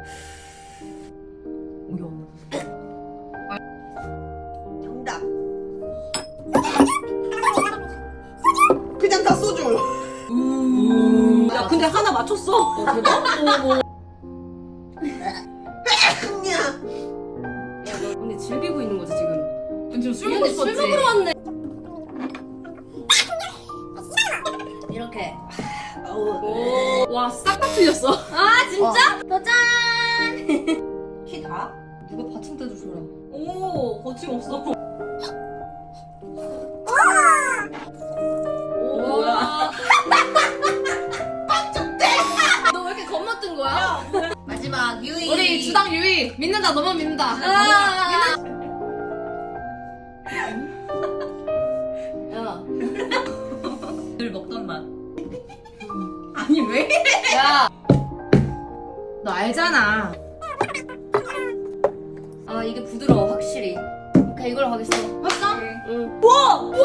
정답. 그냥 다 소주. 야 근데 하나 맞췄어. 대박. 야. 야 너 근데 즐기고 있는 거지 지금? 지금 술 먹고 근데 싶었지? 술 먹으러 왔네. 이렇게. 와 싹 다 틀렸어. 아 진짜? 도전. 키 다? 누가 받침대도 줘라. 오, 거침없어. 오 뭐야? 너 왜 이렇게 겁먹던 거야? 마지막 유이. 우리 주당 유희 믿는다. 너만 믿는다. 아. 야. 늘 먹던 맛. 아니 왜? 야. 너 알잖아. 아 이게 부드러워 확실히. 오케이 이걸로 가겠어. 맞다? 응. 와,